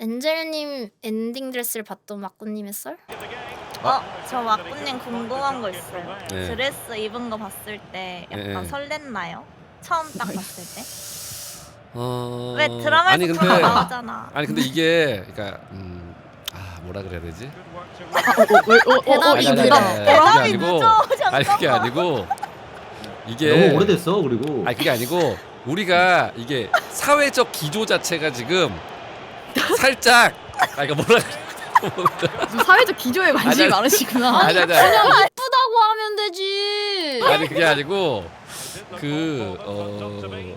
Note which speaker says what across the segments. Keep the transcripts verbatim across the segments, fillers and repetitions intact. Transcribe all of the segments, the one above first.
Speaker 1: 엔젤님 엔딩 드레스를 봤던 마꾸님의 썰?
Speaker 2: 어, 저 마꾸님 궁금한 거 있어요.
Speaker 3: 네.
Speaker 2: 드레스 입은 거 봤을 때 약간
Speaker 3: 네.
Speaker 2: 설렜나요? 처음 딱 봤을 때?
Speaker 3: 어...
Speaker 2: 왜 드라마에서
Speaker 3: 아니 근데
Speaker 2: 다 나오잖아.
Speaker 3: 아니 근데 이게 그러니까 음... 아 뭐라 그래야 되지?
Speaker 1: 대답이
Speaker 3: 아니, 아니,
Speaker 1: 늦어.
Speaker 3: 아니, 아니,
Speaker 2: 대답이
Speaker 3: 그게 아니고
Speaker 2: 늦어,
Speaker 3: 아니 그게
Speaker 2: 잠깐만.
Speaker 3: 아니고 이게
Speaker 4: 너무 오래됐어. 그리고
Speaker 3: 아니 그게 아니고 우리가 이게 사회적 기조 자체가 지금 살짝 아 이거 뭐라 그래?
Speaker 5: 사회적 기조에 관심이
Speaker 3: 아니,
Speaker 5: 많으시구나.
Speaker 3: 아니 아니 아니
Speaker 1: 그냥 이쁘다고 하면 되지.
Speaker 3: 아니 그게 아니고 그 어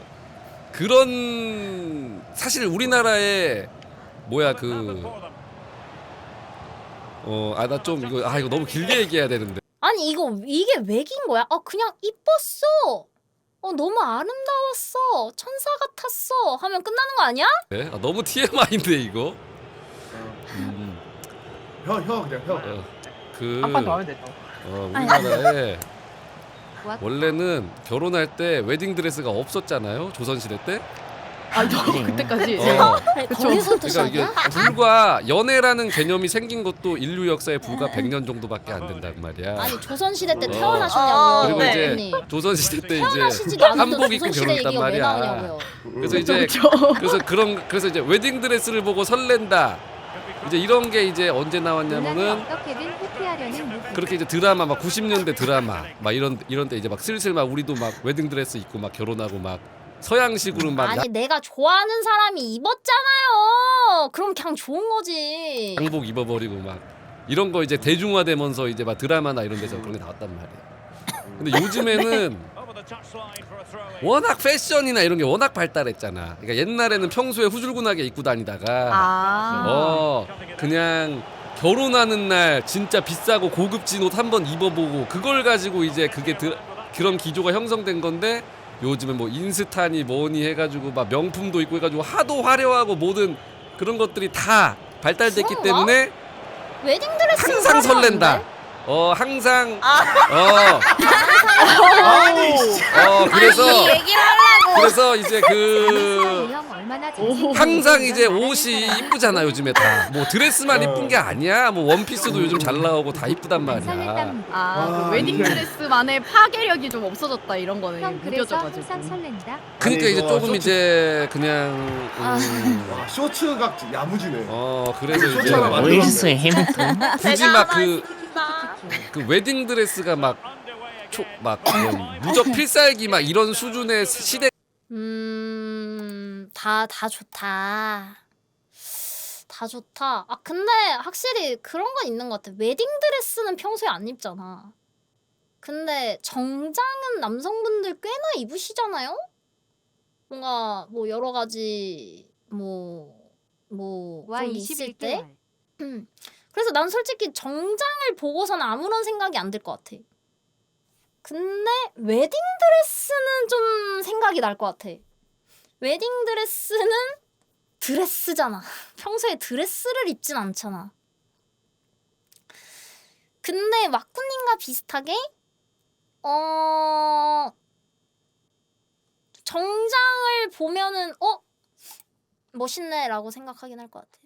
Speaker 3: 그런 사실 우리나라에 뭐야 그 어 아 나 좀 이거 아 이거 너무 길게 얘기해야 되는데
Speaker 1: 아니 이거 이게 왜긴 거야? 아 그냥 이뻤어. 어 너무 아름다웠어. 천사 같았어. 하면 끝나는 거 아니야?
Speaker 3: 네? 아, 너무 티엠아이인데 이거 음,
Speaker 6: 혀, 혀 그냥 혀.
Speaker 3: 어, 그
Speaker 5: 한 판 더 하면 되죠.
Speaker 3: 어, 우리나라에 원래는 결혼할 때 웨딩 드레스가 없었잖아요 조선시대 때.
Speaker 5: 아, 저 그때까지.
Speaker 3: 어,
Speaker 1: 아니,
Speaker 5: 그쵸.
Speaker 1: 거기서부터
Speaker 3: 그러니까 이게
Speaker 1: 시작이야?
Speaker 3: 불과 연애라는 개념이 생긴 것도 인류 역사에 불과 백 년 정도밖에 안 된단 말이야.
Speaker 1: 아니 조선시대 때
Speaker 3: 어.
Speaker 1: 태어나셨냐고.
Speaker 3: 그리고
Speaker 2: 네.
Speaker 3: 이제
Speaker 1: 언니.
Speaker 3: 조선시대 때 이제
Speaker 1: 태어나시지도 않은데
Speaker 3: 한복 입고
Speaker 1: 조선시대
Speaker 3: 결혼했단
Speaker 1: 얘기가 왜
Speaker 3: 말이야.
Speaker 1: 나오냐고요.
Speaker 3: 그래서 이제
Speaker 5: 그쵸.
Speaker 3: 그래서 그런 그래서 이제 웨딩 드레스를 보고 설렌다. 이제 이런 게 이제 언제 나왔냐면은
Speaker 7: 어떻게든 회피하려는 모습.
Speaker 3: 그렇게 이제 드라마 막 구십 년대 드라마 막 이런 이런 때 이제 막 슬슬 막 우리도 막 웨딩 드레스 입고 막 결혼하고 막 서양식으로 막
Speaker 1: 아니 내가 좋아하는 사람이 입었잖아요. 그럼 그냥 좋은 거지.
Speaker 3: 양복 입어버리고 막 이런 거 이제 대중화되면서 이제 막 드라마나 이런 데서 그런 게 나왔단 말이야. 근데 요즘에는 워낙 패션이나 이런 게 워낙 발달했잖아. 그러니까 옛날에는 평소에 후줄근하게 입고 다니다가
Speaker 2: 아.
Speaker 3: 어 그냥 결혼하는 날 진짜 비싸고 고급진 옷 한번 입어보고 그걸 가지고 이제 그게 드, 그런 기조가 형성된 건데 요즘은 뭐 인스타니 뭐니 해가지고 막 명품도 있고 해가지고 하도 화려하고 모든 그런 것들이 다 발달됐기
Speaker 1: 그런가?
Speaker 3: 때문에
Speaker 1: 웨딩 드레스
Speaker 3: 항상 설렌다. 어 항상 어, 어 그래서
Speaker 2: 이 얘기를 하려고.
Speaker 3: 그래서 이제 그
Speaker 7: 형 얼마나
Speaker 5: 오.
Speaker 3: 항상 이제 옷이 이쁘잖아 요즘에 다 뭐 드레스만 이쁜 게 아니야 뭐 원피스도 요즘 잘 나오고 다 이쁘단 말이야.
Speaker 7: 설렜답니다.
Speaker 5: 아,
Speaker 6: 와,
Speaker 5: 그 웨딩
Speaker 6: 이게-
Speaker 5: 드레스만의 파괴력이 좀 없어졌다 이런 거는
Speaker 7: 형 그래서
Speaker 5: 느껴져가지고.
Speaker 7: 항상 설렌다.
Speaker 3: 그러니까
Speaker 6: 아니,
Speaker 3: 이제
Speaker 6: 이거
Speaker 3: 조금
Speaker 6: 쇼츠-
Speaker 3: 이제 그냥 음,
Speaker 6: 와, 쇼츠가 야무지네.
Speaker 3: 어 그래서 이제
Speaker 6: 쇼츠 하나 만들어.
Speaker 8: 오이스 해밀턴
Speaker 3: 굳이 막 그
Speaker 2: 나
Speaker 3: 그 웨딩 드레스가 막 초 막 무적 필살기 막 이런 수준의 시대
Speaker 1: 음, 다, 다 좋다. 다 좋다. 아, 근데 확실히 그런 건 있는 것 같아. 웨딩 드레스는 평소에 안 입잖아. 근데 정장은 남성분들 꽤나 입으시잖아요? 뭔가 뭐 여러 가지 뭐, 뭐,
Speaker 7: 와
Speaker 1: 그런 게 있을 때?
Speaker 7: 이십일 개월.
Speaker 1: 그래서 난 솔직히 정장을 보고서는 아무런 생각이 안 들 것 같아. 근데 웨딩 드레스는 좀 생각이 날 것 같아. 웨딩 드레스는 드레스잖아. 평소에 드레스를 입진 않잖아. 근데 마쿠님과 비슷하게 어 정장을 보면은 어 멋있네라고 생각하긴 할 것 같아.